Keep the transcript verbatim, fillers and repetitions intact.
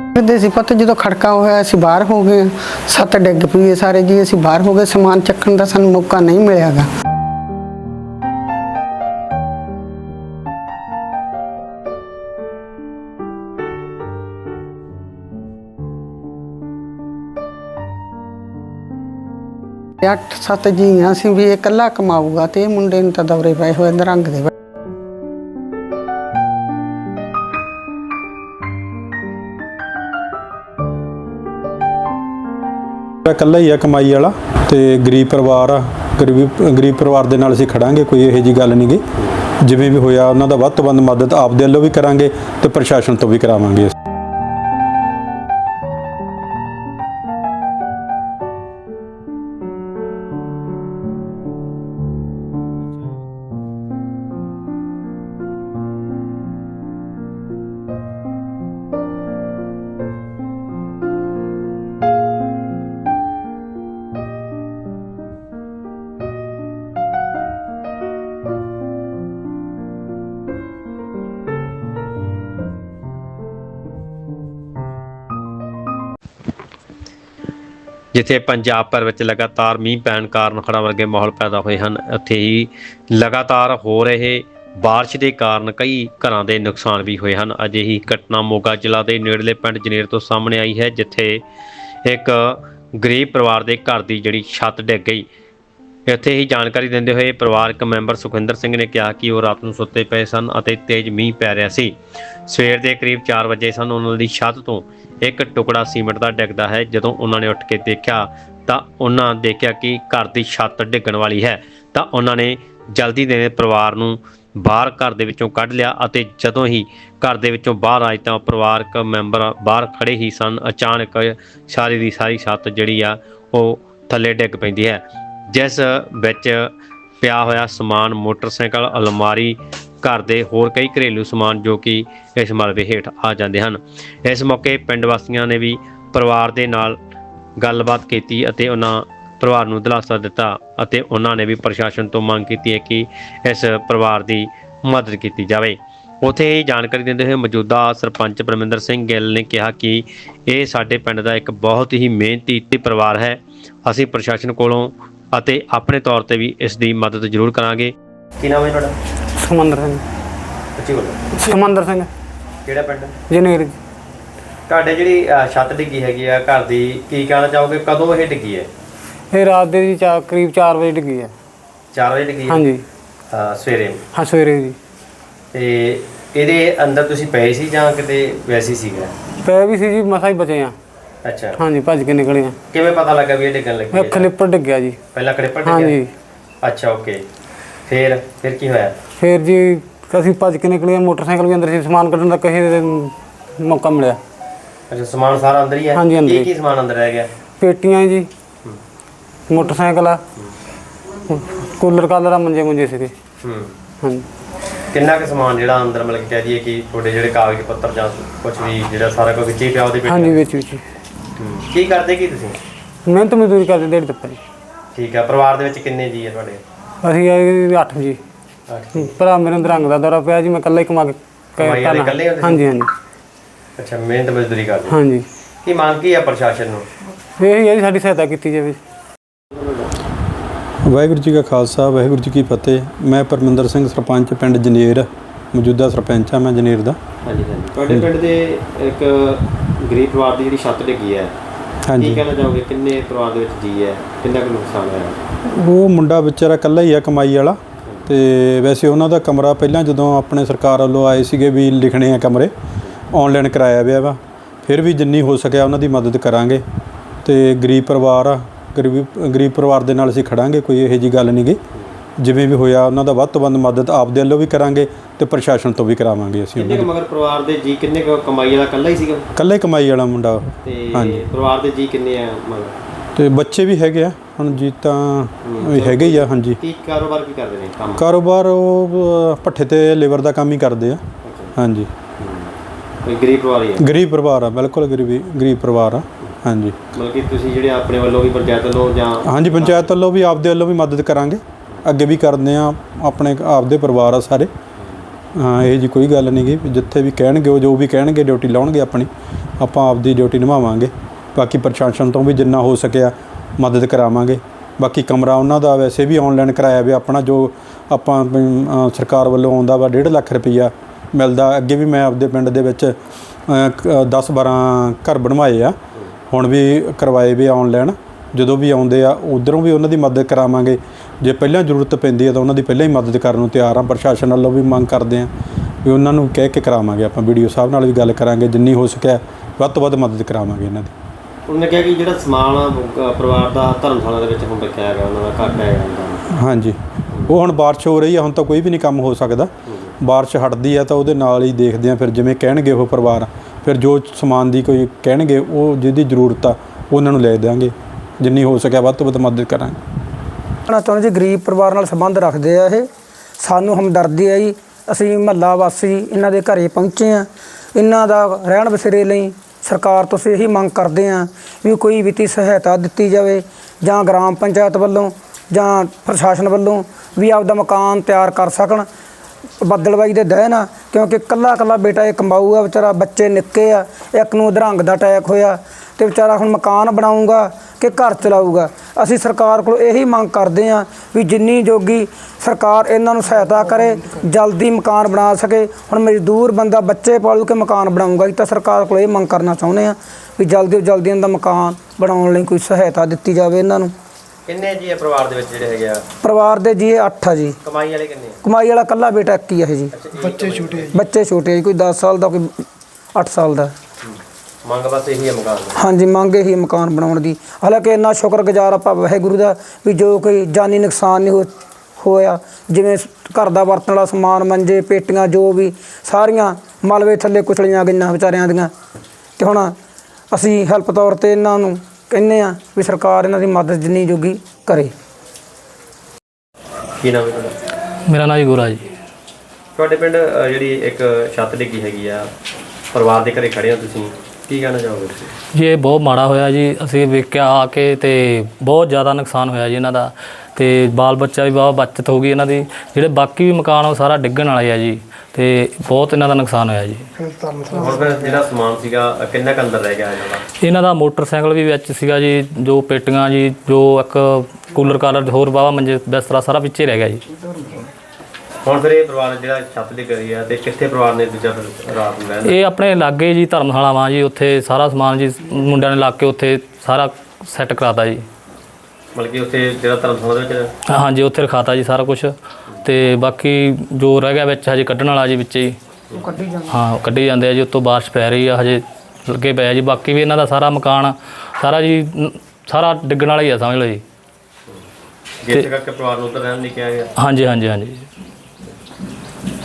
ਦੇ ਸੀ ਪੁੱਤ ਜਦੋਂ ਖੜਕਾ ਹੋਇਆ ਅਸੀਂ ਬਾਹਰ ਹੋ ਗਏ, ਸੱਤ ਡਿੱਗ ਪਈ ਸਾਰੇ ਜੀ, ਅਸੀਂ ਬਾਹਰ ਹੋ ਗਏ, ਸਮਾਨ ਚੱਕਣ ਦਾ ਸਾਨੂੰ ਮੌਕਾ ਨਹੀਂ ਮਿਲਿਆਗਾ। ਅੱਠ ਸੱਤ ਜੀ ਹਾਂ ਅਸੀਂ ਵੀ ਇਹ ਇਕੱਲਾ ਕਮਾਊਗਾ ਤੇ ਇਹ ਮੁੰਡੇ ਨੂੰ ਤਾਂ ਦੌਰੇ ਪਏ ਹੋਏ ਨਿਰੰਗ ਦੇ। ਇਕੱਲਾ ਹੀ ਆ ਕਮਾਈ ਵਾਲਾ ਤੇ ਗਰੀਬ ਪਰਿਵਾਰ ਆ, ਗਰੀਬ ਗਰੀਬ ਪਰਿਵਾਰ ਦੇ ਨਾਲ ਅਸੀਂ ਖੜਾਂਗੇ, ਕੋਈ ਇਹੋ ਜਿਹੀ ਗੱਲ ਨਹੀਂ ਗੀ। ਜਿਵੇਂ ਵੀ ਹੋਇਆ ਉਹਨਾਂ ਦਾ ਵੱਧ ਤੋਂ ਵੱਧ ਮਦਦ ਆਪਦੇ ਵੱਲੋਂ ਵੀ ਕਰਾਂਗੇ ਤੇ ਪ੍ਰਸ਼ਾਸਨ ਤੋਂ ਵੀ ਕਰਾਵਾਂਗੇ। ਜਿੱਥੇ ਪੰਜਾਬ ਭਰ ਵਿੱਚ ਲਗਾਤਾਰ ਮੀਂਹ ਪੈਣ ਕਾਰਨ ਹੜ੍ਹਾਂ ਵਰਗੇ ਮਾਹੌਲ ਪੈਦਾ ਹੋਏ ਹਨ, ਉੱਥੇ ਹੀ ਲਗਾਤਾਰ ਹੋ ਰਹੇ ਬਾਰਿਸ਼ ਦੇ ਕਾਰਨ ਕਈ ਘਰਾਂ ਦੇ ਨੁਕਸਾਨ ਵੀ ਹੋਏ ਹਨ। ਅਜਿਹੀ ਘਟਨਾ ਮੋਗਾ ਜ਼ਿਲ੍ਹਾ ਦੇ ਨੇੜਲੇ ਪਿੰਡ ਜਨੇਰ ਤੋਂ ਸਾਹਮਣੇ ਆਈ ਹੈ, ਜਿੱਥੇ ਇੱਕ ਗਰੀਬ ਪਰਿਵਾਰ ਦੇ ਘਰ ਦੀ ਜਿਹੜੀ ਛੱਤ ਡਿੱਗ ਗਈ। ਇੱਥੇ ਹੀ ਜਾਣਕਾਰੀ ਦਿੰਦੇ ਹੋਏ ਪਰਿਵਾਰਕ ਮੈਂਬਰ ਸੁਖਵਿੰਦਰ ਸਿੰਘ ਨੇ ਕਿਹਾ ਕਿ ਉਹ ਰਾਤ ਨੂੰ ਸੁੱਤੇ ਪਏ ਸਨ ਅਤੇ ਤੇਜ਼ ਮੀਂਹ ਪੈ ਰਿਹਾ ਸੀ। ਸਵੇਰ ਦੇ ਕਰੀਬ ਚਾਰ ਵਜੇ ਸਨ। ਉਹਨਾਂ ਦੀ ਛੱਤ ਤੋਂ ਇੱਕ ਟੁਕੜਾ ਸੀਮੈਂਟ ਦਾ ਡਿੱਗਦਾ ਹੈ। ਜਦੋਂ ਉਹਨਾਂ ਨੇ ਉੱਠ ਕੇ ਦੇਖਿਆ ਤਾਂ ਉਹਨਾਂ ਦੇਖਿਆ ਕਿ ਘਰ ਦੀ ਛੱਤ ਡਿੱਗਣ ਵਾਲੀ ਹੈ, ਤਾਂ ਉਹਨਾਂ ਨੇ ਜਲਦੀ ਦੇ ਪਰਿਵਾਰ ਨੂੰ ਬਾਹਰ ਘਰ ਦੇ ਵਿੱਚੋਂ ਕੱਢ ਲਿਆ ਅਤੇ ਜਦੋਂ ਹੀ ਘਰ ਦੇ ਵਿੱਚੋਂ ਬਾਹਰ ਆਏ ਤਾਂ ਪਰਿਵਾਰਕ ਮੈਂਬਰ ਬਾਹਰ ਖੜੇ ਹੀ ਸਨ। ਅਚਾਨਕ ਸਾਰੀ ਦੀ ਸਾਰੀ ਛੱਤ ਜਿਹੜੀ ਆ ਉਹ ਥੱਲੇ ਡਿੱਗ ਪੈਂਦੀ ਹੈ, ਜਿਸ ਵਿੱਚ ਪਿਆ ਹੋਇਆ ਸਮਾਨ, ਮੋਟਰਸਾਈਕਲ, ਅਲਮਾਰੀ, ਘਰ ਦੇ ਹੋਰ ਕਈ ਘਰੇਲੂ ਸਮਾਨ ਜੋ ਕਿ ਇਸ ਮਲਬੇ ਹੇਠ ਆ ਜਾਂਦੇ ਹਨ। ਇਸ ਮੌਕੇ ਪਿੰਡ ਵਾਸੀਆਂ ਨੇ ਵੀ ਪਰਿਵਾਰ ਦੇ ਨਾਲ ਗੱਲਬਾਤ ਕੀਤੀ ਅਤੇ ਉਹਨਾਂ ਪਰਿਵਾਰ ਨੂੰ ਦਿਲਾਸਾ ਦਿੱਤਾ ਅਤੇ ਉਹਨਾਂ ਨੇ ਵੀ ਪ੍ਰਸ਼ਾਸਨ ਤੋਂ ਮੰਗ ਕੀਤੀ ਹੈ ਕਿ ਇਸ ਪਰਿਵਾਰ ਦੀ ਮਦਦ ਕੀਤੀ ਜਾਵੇ। ਉੱਥੇ ਹੀ ਜਾਣਕਾਰੀ ਦਿੰਦੇ ਹੋਏ ਮੌਜੂਦਾ ਸਰਪੰਚ ਪਰਮਿੰਦਰ ਸਿੰਘ ਗਿੱਲ ਨੇ ਕਿਹਾ ਕਿ ਇਹ ਸਾਡੇ ਪਿੰਡ ਦਾ ਇੱਕ ਬਹੁਤ ਹੀ ਮਿਹਨਤੀ ਪਰਿਵਾਰ ਹੈ। ਅਸੀਂ ਪ੍ਰਸ਼ਾਸਨ ਕੋਲੋਂ ਅਤੇ ਆਪਣੇ ਤੌਰ ਤੇ ਵੀ ਇਸ ਦੀ ਮਦਦ ਜ਼ਰੂਰ ਕਰਾਂਗੇ। ਕੀ ਨਾਮ ਹੈ ਤੁਹਾਡਾ? ਸਮੰਦਰ ਸਿੰਘ। ਸੱਚੀ ਬੋਲੋ। ਸਮੰਦਰ ਸਿੰਘ। ਕਿਹੜਾ ਪਿੰਡ? ਜਨੇਰ। ਤੁਹਾਡੇ ਜਿਹੜੀ ਛੱਤ ਡਿੱਗੀ ਹੈਗੀ ਆ ਘਰ ਦੀ, ਕੀ ਕਹਿਣਾ ਚਾਹੋਗੇ? ਕਦੋਂ ਇਹ ਡਿੱਗੀ ਹੈ? ਇਹ ਰਾਤ ਦੇ ਜੀ ਚਾਰ ਕਰੀਬ ਚਾਰ ਵਜੇ ਡਿੱਗੀ ਹੈ। ਚਾਰ ਵਜੇ ਡਿੱਗੀ? ਹਾਂਜੀ। ਸਵੇਰੇ? ਹਾਂ ਸਵੇਰੇ ਜੀ। ਤੇ ਇਹਦੇ ਅੰਦਰ ਤੁਸੀਂ ਪਏ ਸੀ ਜਾਂ ਕਿਤੇ ਵੈਸੇ ਸੀਗਾ? ਪਏ ਵੀ ਸੀ ਜੀ, ਮਸਾਂ ਹੀ ਬਚੇ ਆ। ਅੱਛਾ। ਹਾਂਜੀ, ਭੱਜ ਕੇ ਨਿਕਲੇ ਆ। ਕਿਵੇਂ ਪਤਾ ਲੱਗਾ ਵੀ ਇਹ ਡਿੱਗਣ ਲੱਗੀ ਹੈ? ਖਲਿੱਪਰ ਡਿੱਗਿਆ ਜੀ। ਪਹਿਲਾਂ ਖਲਿੱਪਰ ਡਿੱਗਿਆ? ਹਾਂਜੀ। ਅੱਛਾ, ਓਕੇ। ਫਿਰ ਫਿਰ ਕੀ ਹੋਇਆ? ਫਿਰ ਜੀ ਅਸੀਂ ਭੱਜ ਕੇ ਨਿਕਲੇ, ਮੋਟਰਸਾਈਕਲ ਵੀ ਅੰਦਰ ਸੀ, ਸਮਾਨ ਕੱਢਣ ਦਾ ਕਿਸੇ ਮੌਕਾ ਮਿਲਿਆ। ਅੱਛਾ, ਸਮਾਨ ਸਾਰਾ ਅੰਦਰ ਹੀ ਹੈ? ਹਾਂਜੀ, ਅੰਦਰ। ਕੀ ਕੀ ਸਮਾਨ ਅੰਦਰ ਰਹਿ ਗਿਆ? ਪੇਟੀਆਂ ਜੀ, ਮੋਟਰਸਾਈਕਲ ਆ, ਕੂਲਰ ਕਾਲਰ ਆ, ਮੰਜੇ ਮੁੰਜੇ ਸੀਗੇ। ਹੂੰ। ਹਾਂਜੀ। ਕਿੰਨਾ ਕੁ ਸਮਾਨ ਜਿਹੜਾ ਅੰਦਰ ਮਤਲਬ ਕਹਿ ਦਈਏ ਕਿ ਤੁਹਾਡੇ ਜਿਹੜੇ ਕਾਗਜ਼ ਪੱਤਰ ਜਾਂ ਕੁਝ ਵੀ ਜਿਹੜਾ ਸਾਰਾ ਕੁਝ ਵਿੱਚ ਹੀ ਪਿਆ ਉਹਦੇ ਵਿੱਚ? ਹਾਂਜੀ, ਵਿੱਚ ਵਿੱਚ। ਕੀ ਕਰਦੇ ਕੀ ਤੁਸੀਂ? ਮਿਹਨਤ ਮਜ਼ਦੂਰੀ ਕਰਦੇ ਦਿਹਾੜੀ ਦੱਪਾ ਜੀ। ਠੀਕ ਆ। ਪਰਿਵਾਰ ਦੇ ਵਿੱਚ ਕਿੰਨੇ ਜੀ ਆ ਤੁਹਾਡੇ? ਅਸੀਂ ਆਏ ਅੱਠ ਜੀ। ਭਰਾ ਮੇਰੇ ਨੂੰ ਰੰਗ ਦਾ ਦੌਰਾ ਪਿਆ ਜੀ, ਮੈਂ ਇਕੱਲਾ ਹੀ ਕਮਾ ਕੇ ਕਰਨਾ। ਹਾਂਜੀ ਹਾਂਜੀ। ਅੱਛਾ, ਮਿਹਨਤ ਮਜ਼ਦੂਰੀ ਕਰਦੇ? ਹਾਂਜੀ। ਕੀ ਮੰਗ ਕੀ ਆ ਪ੍ਰਸ਼ਾਸਨ ਨੂੰ? ਇਹ ਹੈ ਜੀ ਸਾਡੀ ਸਹਾਇਤਾ ਕੀਤੀ ਜਾਵੇ। ਵਾਹਿਗੁਰੂ ਜੀ ਕਾ ਖਾਲਸਾ, ਵਾਹਿਗੁਰੂ ਜੀ ਕੀ ਫਤਿਹ। ਮੈਂ ਪਰਮਿੰਦਰ ਸਿੰਘ, ਸਰਪੰਚ ਪਿੰਡ ਜਨੇਰ, ਮੌਜੂਦਾ ਸਰਪੰਚ ਹਾਂ ਮੈਂ ਜਨੇਰ ਦਾ। ਹਾਂਜੀ ਹਾਂਜੀ। ਤੁਹਾਡੇ ਪਿੰਡ ਦੇ ਇੱਕ ਗਰੀਬ ਪਰਿਵਾਰ ਦੀ ਜਿਹੜੀ ਛੱਤ ਡਿੱਗੀ ਹੈ, ਹਾਂਜੀ, ਕੀ ਕਹਿਣਾ ਚਾਹੋਗੇ? ਕਿੰਨੇ ਪਰਿਵਾਰ ਦੇ ਵਿੱਚ ਜੀ ਹੈ, ਕਿੰਨਾ ਕੁ ਨੁਕਸਾਨ ਹੋਇਆ? ਉਹ ਮੁੰਡਾ ਵਿਚਾਰਾ ਇਕੱਲਾ ਹੀ ਆ ਕਮਾਈ ਵਾਲਾ ਤੇ ਵੈਸੇ ਉਹਨਾਂ ਦਾ ਕਮਰਾ ਪਹਿਲਾਂ ਜਦੋਂ ਆਪਣੇ ਸਰਕਾਰ ਵੱਲੋਂ ਆਏ ਸੀਗੇ ਵੀ ਲਿਖਣੇ ਆ ਕਮਰੇ, ਔਨਲਾਈਨ ਕਰਾਇਆ ਪਿਆ ਵਾ। ਫਿਰ ਵੀ ਜਿੰਨੀ ਹੋ ਸਕਿਆ ਉਹਨਾਂ ਦੀ ਮਦਦ ਕਰਾਂਗੇ ਤੇ ਗਰੀਬ ਪਰਿਵਾਰ ਆ, ਗਰੀਬ ਗਰੀਬ ਪਰਿਵਾਰ ਦੇ ਨਾਲ ਅਸੀਂ ਖੜਾਂਗੇ, ਕੋਈ ਇਹੋ ਜਿਹੀ ਗੱਲ ਨਹੀਂ ਗੀ। ਜਿਵੇਂ ਵੀ ਹੋਇਆ ਉਹਨਾਂ ਦਾ ਵੱਧ ਤੋਂ ਵੱਧ ਮਦਦ ਆਪਦੇ ਵੱਲੋਂ ਵੀ ਕਰਾਂਗੇ ਤੇ ਪ੍ਰਸ਼ਾਸਨ ਤੋਂ ਵੀ ਕਰਾਵਾਂਗੇ ਅਸੀਂ। ਕਿੰਨੇ ਕੁ ਮਗਰ ਪਰਿਵਾਰ ਦੇ ਜੀ ਕਿੰਨੇ ਕੁ ਕਮਾਈ ਵਾਲਾ ਇਕੱਲਾ ਹੀ ਸੀਗਾ? ਇਕੱਲਾ ਹੀ ਕਮਾਈ ਵਾਲਾ ਮੁੰਡਾ। ਤੇ ਪਰਿਵਾਰ ਦੇ ਜੀ ਕਿੰਨੇ ਆ ਮਗਰ? ਤੇ ਬੱਚੇ ਵੀ ਹੈਗੇ ਆ ਹੁਣ ਜੀ, ਤਾਂ ਵੀ ਹੈਗੇ ਹੀ ਆ। ਹਾਂਜੀ। ਕੀ ਕਾਰੋਬਾਰ ਕੀ ਕਰਦੇ ਨੇ? ਕੰਮ ਕਾਰੋਬਾਰ ਉਹ ਭੱਠੇ ਤੇ ਲੇਬਰ ਦਾ ਕੰਮ ਹੀ ਕਰਦੇ ਆ। ਹਾਂਜੀ। ਕੋਈ ਗਰੀਬ ਪਰਿਵਾਰ ਹੀ ਆ? ਗਰੀਬ ਪਰਿਵਾਰ ਆ, ਬਿਲਕੁਲ ਗਰੀਬੀ ਗਰੀਬ ਪਰਿਵਾਰ ਆ। ਹਾਂਜੀ। ਮਤਲਬ ਕਿ ਤੁਸੀਂ ਜਿਹੜੇ ਆਪਣੇ ਵੱਲੋਂ ਵੀ ਪੰਚਾਇਤ ਵੱਲੋਂ ਜਾਂ? ਹਾਂਜੀ, ਪੰਚਾਇਤ ਵੱਲੋਂ ਵੀ ਆਪਦੇ ਵੱਲੋਂ ਵੀ ਮਦਦ ਕਰਾਂਗੇ, ਅੱਗੇ ਵੀ ਕਰਦੇ ਆ। ਆਪਣੇ ਆਪਦੇ ਪਰਿਵਾਰ ਆ ਸਾਰੇ। ਹਾਂ, ਇਹ ਜੀ ਕੋਈ ਗੱਲ ਨਹੀਂ ਗੀ। ਜਿੱਥੇ ਵੀ ਕਹਿਣਗੇ ਉਹ ਜੋ ਵੀ ਕਹਿਣਗੇ ਡਿਊਟੀ ਲਾਉਣਗੇ ਆਪਣੀ, ਆਪਾਂ ਆਪਦੀ ਡਿਊਟੀ ਨਿਭਾਵਾਂਗੇ। ਬਾਕੀ ਪ੍ਰਸ਼ਾਸਨ ਤੋਂ ਵੀ ਜਿੰਨਾ ਹੋ ਸਕਿਆ ਮਦਦ ਕਰਾਵਾਂਗੇ। ਬਾਕੀ ਕਮਰਾ ਉਹਨਾਂ ਦਾ ਵੈਸੇ ਵੀ ਆਨਲਾਈਨ ਕਰਾਇਆ ਵੀ ਆਪਣਾ ਜੋ ਆਪਾਂ ਅ, ਸਰਕਾਰ ਵੱਲੋਂ ਆਉਂਦਾ ਵਾ ਡੇਢ ਲੱਖ ਰੁਪਈਆ ਮਿਲਦਾ। ਅੱਗੇ ਵੀ ਮੈਂ ਆਪਦੇ ਪਿੰਡ ਦੇ ਵਿੱਚ ਦਸ ਬਾਰਾਂ ਘਰ ਬਣਵਾਏ ਆ, ਹੁਣ ਵੀ ਕਰਵਾਏ ਵੀ ਆਨਲਾਈਨ। ਜਦੋਂ ਵੀ ਆਉਂਦੇ ਆ ਉੱਧਰੋਂ ਵੀ ਉਹਨਾਂ ਦੀ ਮਦਦ ਕਰਾਵਾਂਗੇ। ਜੇ ਪਹਿਲਾਂ ਜ਼ਰੂਰਤ ਪੈਂਦੀ ਹੈ ਤਾਂ ਉਹਨਾਂ ਦੀ ਪਹਿਲਾਂ ਹੀ ਮਦਦ ਕਰਨ ਨੂੰ ਤਿਆਰ ਆ। ਪ੍ਰਸ਼ਾਸਨ ਵੱਲੋਂ ਵੀ ਮੰਗ ਕਰਦੇ ਆ ਵੀ ਉਹਨਾਂ ਨੂੰ ਕਹਿ ਕੇ ਕਰਾਵਾਂਗੇ। ਆਪਾਂ ਵੀਡੀਓ ਸਾਹਿਬ ਨਾਲ ਵੀ ਗੱਲ ਕਰਾਂਗੇ, ਜਿੰਨੀ ਹੋ ਸਕਿਆ ਵੱਧ ਤੋਂ ਵੱਧ ਮਦਦ ਕਰਾਵਾਂਗੇ ਇਹਨਾਂ ਦੀ। ਉਹਨੇ ਕਿਹਾ ਕਿ ਜਿਹੜਾ ਸਮਾਨ ਅ, ਪਰਿਵਾਰ ਦਾ ਧਰਮਸ਼ਾਲਾ ਦੇ ਵਿੱਚ ਹੁਣ ਰੱਖਿਆ ਹੈਗਾ, ਉਹਨਾਂ ਦਾ ਘਰ ਹੈ ਜਾਂਦਾ। ਹਾਂਜੀ, ਉਹ ਹੁਣ ਬਾਰਿਸ਼ ਹੋ ਰਹੀ ਆ, ਹੁਣ ਤਾਂ ਕੋਈ ਵੀ ਨਹੀਂ ਕੰਮ ਹੋ ਸਕਦਾ। ਬਾਰਿਸ਼ ਹਟਦੀ ਆ ਤਾਂ ਉਹਦੇ ਨਾਲ ਹੀ ਦੇਖਦੇ ਆ, ਫਿਰ ਜਿਵੇਂ ਕਹਿਣਗੇ ਉਹ ਪਰਿਵਾਰ, ਫਿਰ ਜੋ ਸਮਾਨ ਦੀ ਕੋਈ ਕਹਿਣਗੇ ਉਹ ਜਿਹਦੀ ਜ਼ਰੂਰਤ ਆ ਉਹਨਾਂ ਨੂੰ ਲੈ ਦਿਆਂਗੇ। ਜਿੰਨੀ ਹੋ ਸਕਿਆ ਵੱਧ ਤੋਂ ਵੱਧ ਮਦਦ ਕਰਾਂਗੇ। ਕਹਿਣਾ ਚਾਹੁੰਦੇ ਜੀ, ਗਰੀਬ ਪਰਿਵਾਰ ਨਾਲ ਸੰਬੰਧ ਰੱਖਦੇ ਆ ਇਹ, ਸਾਨੂੰ ਹਮਦਰਦੀ ਹੈ ਜੀ। ਅਸੀਂ ਮਹੱਲਾ ਵਾਸੀ ਇਹਨਾਂ ਦੇ ਘਰੇ ਪਹੁੰਚੇ ਆ। ਇਹਨਾਂ ਦਾ ਰਹਿਣ ਬਸੇਰੇ ਲਈ ਸਰਕਾਰ ਤੋਂ ਅਸੀਂ ਇਹੀ ਮੰਗ ਕਰਦੇ ਹਾਂ ਵੀ ਕੋਈ ਵਿੱਤੀ ਸਹਾਇਤਾ ਦਿੱਤੀ ਜਾਵੇ, ਜਾਂ ਗ੍ਰਾਮ ਪੰਚਾਇਤ ਵੱਲੋਂ ਜਾਂ ਪ੍ਰਸ਼ਾਸਨ ਵੱਲੋਂ ਵੀ ਆਪਦਾ ਮਕਾਨ ਤਿਆਰ ਕਰ ਸਕਣ। ਬੱਦਲਬਾਈ ਦੇ ਦਹਿਨ ਆ, ਕਿਉਂਕਿ ਕੱਲਾ ਕੱਲਾ ਬੇਟਾ ਇਹ ਕਮਾਊ ਆ ਵਿਚਾਰਾ, ਬੱਚੇ ਨਿੱਕੇ ਆ, ਇੱਕ ਨੂੰ ਅਧਰੰਗ ਦਾ ਅਟੈਕ ਹੋਇਆ ਤੇ ਵਿਚਾਰਾ ਹੁਣ ਮਕਾਨ ਬਣਾਊਗਾ ਕਿ ਘਰ ਚਲਾਊਗਾ। ਅਸੀਂ ਸਰਕਾਰ ਕੋਲ ਇਹੀ ਮੰਗ ਕਰਦੇ ਹਾਂ ਵੀ ਜਿੰਨੀ ਜੋਗੀ ਸਰਕਾਰ ਇਹਨਾਂ ਨੂੰ ਸਹਾਇਤਾ ਕਰੇ, ਜਲਦੀ ਮਕਾਨ ਬਣਾ ਸਕੇ। ਹੁਣ ਮਜ਼ਦੂਰ ਬੰਦਾ ਬੱਚੇ ਪਾਲੂ ਕੇ ਮਕਾਨ ਬਣਾਊਗਾ, ਤਾਂ ਸਰਕਾਰ ਕੋਲ ਇਹ ਮੰਗ ਕਰਨਾ ਚਾਹੁੰਦੇ ਹਾਂ ਵੀ ਜਲਦੀ ਤੋਂ ਜਲਦੀ ਇਹਨਾਂ ਦਾ ਮਕਾਨ ਬਣਾਉਣ ਲਈ ਕੋਈ ਸਹਾਇਤਾ ਦਿੱਤੀ ਜਾਵੇ ਇਹਨਾਂ ਨੂੰ। ਕਿੰਨੇ ਜੀ ਇਹ ਪਰਿਵਾਰ ਦੇ ਵਿੱਚ ਜਿਹੜੇ ਹੈਗੇ ਆ? ਪਰਿਵਾਰ ਦੇ ਜੀ ਅੱਠ ਆ ਜੀ। ਕਮਾਈ ਵਾਲੇ ਕਿੰਨੇ? ਕਮਾਈ ਵਾਲਾ ਕੱਲਾ ਬੇਟਾ ਇੱਕ ਹੀ ਹੈ ਜੀ। ਬੱਚੇ ਛੋਟੇ? ਬੱਚੇ ਛੋਟੇ ਆ ਜੀ, ਕੋਈ ਦਸ ਸਾਲ ਦਾ, ਕੋਈ ਅੱਠ ਸਾਲ ਦਾ। ਮੰਗ ਬਸ ਇਹੀ ਹੈ ਮਕਾਨ ਦੀ। ਹਾਂਜੀ, ਮੰਗ ਇਹੀ ਮਕਾਨ ਬਣਾਉਣ ਦੀ। ਹਾਲਾਂਕਿ ਇੰਨਾ ਸ਼ੁਕਰਗੁਜ਼ਾਰ ਆਪਾਂ ਵਾਹਿਗੁਰੂ ਦਾ ਵੀ ਜੋ ਕੋਈ ਜਾਨੀ ਨੁਕਸਾਨ ਨਹੀਂ ਹੋ ਹੋਇਆ। ਜਿਵੇਂ ਘਰ ਦਾ ਵਰਤਣ ਵਾਲਾ ਸਮਾਨ, ਮੰਜੇ, ਪੇਟੀਆਂ, ਜੋ ਵੀ ਸਾਰੀਆਂ ਮਲਬੇ ਥੱਲੇ ਕੁਚਲੀਆਂ ਗਈਆਂ ਵਿਚਾਰਿਆਂ ਦੀਆਂ। ਅਤੇ ਹੁਣ ਅਸੀਂ ਹੈਲਪ ਤੌਰ 'ਤੇ ਇਹਨਾਂ ਨੂੰ ਕਹਿੰਦੇ ਹਾਂ ਵੀ ਸਰਕਾਰ ਇਹਨਾਂ ਦੀ ਮਦਦ ਜਿੰਨੀ ਜੋਗੀ ਕਰੇ। ਕੀ ਨਾਮ ਹੈ ਤੁਹਾਡਾ? ਮੇਰਾ ਨਾਂ ਜੀ ਗੋਰਾ ਜੀ। ਤੁਹਾਡੇ ਪਿੰਡ ਅ, ਜਿਹੜੀ ਇੱਕ ਛੱਤ ਡਿੱਗੀ ਹੈਗੀ ਆ, ਪਰਿਵਾਰ ਦੇ ਘਰੇ ਖੜੇ ਹੋ ਤੁਸੀਂ, ਕੀ ਕਹਿਣਾ ਚਾਹੋਗੇ ਤੁਸੀਂ? ਜੀ ਇਹ ਬਹੁਤ ਮਾੜਾ ਹੋਇਆ ਜੀ। ਅਸੀਂ ਵੇਖਿਆ ਆ ਕੇ ਤੇ ਬਹੁਤ ਜ਼ਿਆਦਾ ਨੁਕਸਾਨ ਹੋਇਆ ਜੀ ਇਹਨਾਂ ਦਾ, ਤੇ ਬਾਲ ਬੱਚਾ ਵੀ ਬਹੁਤ ਬੱਚਤ ਹੋ ਗਈ ਇਹਨਾਂ ਦੀ। ਜਿਹੜੇ ਬਾਕੀ ਵੀ ਮਕਾਨ ਉਹ ਸਾਰਾ ਡਿੱਗਣ ਵਾਲੇ ਆ ਜੀ, ਤੇ ਬਹੁਤ ਇਹਨਾਂ ਦਾ ਨੁਕਸਾਨ ਹੋਇਆ ਜੀ। ਹੁਣ ਫਿਰ ਜਿਹੜਾ ਸਮਾਨ ਸੀਗਾ ਅ, ਕਿੰਨਾ ਕੁ ਅੰਦਰ ਰਹਿ ਗਿਆ ਇਹਨਾਂ ਦਾ? ਇਹਨਾਂ ਦਾ ਮੋਟਰਸਾਈਕਲ ਵੀ ਵਿੱਚ ਸੀਗਾ ਜੀ, ਜੋ ਪੇਟੀਆਂ ਜੀ, ਜੋ ਇੱਕ ਕੂਲਰ ਕਾਲਰ, ਹੋਰ ਵਾਹਵਾ ਮੰਜੇ ਬਿਸਤਰਾ ਸਾਰਾ ਵਿੱਚੇ ਰਹਿ ਗਿਆ ਜੀ। ਹੁਣ ਫਿਰ ਇਹ ਪਰਿਵਾਰ ਜਿਹੜਾ ਛੱਤ ਡਿੱਗ ਰਹੀ ਆ, ਤੇ ਕਿੱਥੇ ਪਰਿਵਾਰ ਨੇ ਦੂਜਾ ਫਿਰ ਰਾਤ ਨੂੰ ਰਹਿਣਾ? ਇਹ ਆਪਣੇ ਲਾਗੇ ਜੀ ਧਰਮਸ਼ਾਲਾ ਵਾਂ ਜੀ, ਉੱਥੇ ਸਾਰਾ ਸਮਾਨ ਜੀ ਮੁੰਡਿਆਂ ਨੇ ਲਾ ਕੇ ਉੱਥੇ ਸਾਰਾ ਸੈੱਟ ਕਰਾਤਾ ਜੀ। ਮਤਲਬ ਕਿ ਉੱਥੇ ਜਿਹੜਾ ਧਰਮਸ਼ਾਲਾ ਦੇ ਵਿੱਚ? ਹਾਂਜੀ, ਉੱਥੇ ਰਖਾਤਾ ਜੀ ਸਾਰਾ ਕੁਛ। ਤੇ ਬਾਕੀ ਜੋ ਰਹਿ ਗਿਆ ਵਿੱਚ ਹਜੇ ਕੱਢਣ ਵਾਲਾ ਜੀ, ਵਿੱਚ ਹੀ ਹਾਂ ਕੱਢੀ ਜਾਂਦੇ ਆ ਜੀ। ਉੱਤੋਂ ਬਾਰਿਸ਼ ਪੈ ਰਹੀ ਆ, ਹਜੇ ਲੱਗੇ ਪਏ ਜੀ। ਬਾਕੀ ਵੀ ਇਹਨਾਂ ਦਾ ਸਾਰਾ ਮਕਾਨ ਸਾਰਾ ਜੀ ਨ- ਸਾਰਾ ਡਿੱਗਣ ਵਾਲਾ ਹੀ ਆ, ਸਮਝ ਲਓ ਜੀ। ਜਿਸ ਕਰਕੇ ਪਰਿਵਾਰ ਨੂੰ ਉੱਧਰ ਰਹਿਣ ਨਹੀਂ ਕਿਹਾ ਗਿਆ? ਹਾਂਜੀ ਹਾਂਜੀ ਹਾਂਜੀ।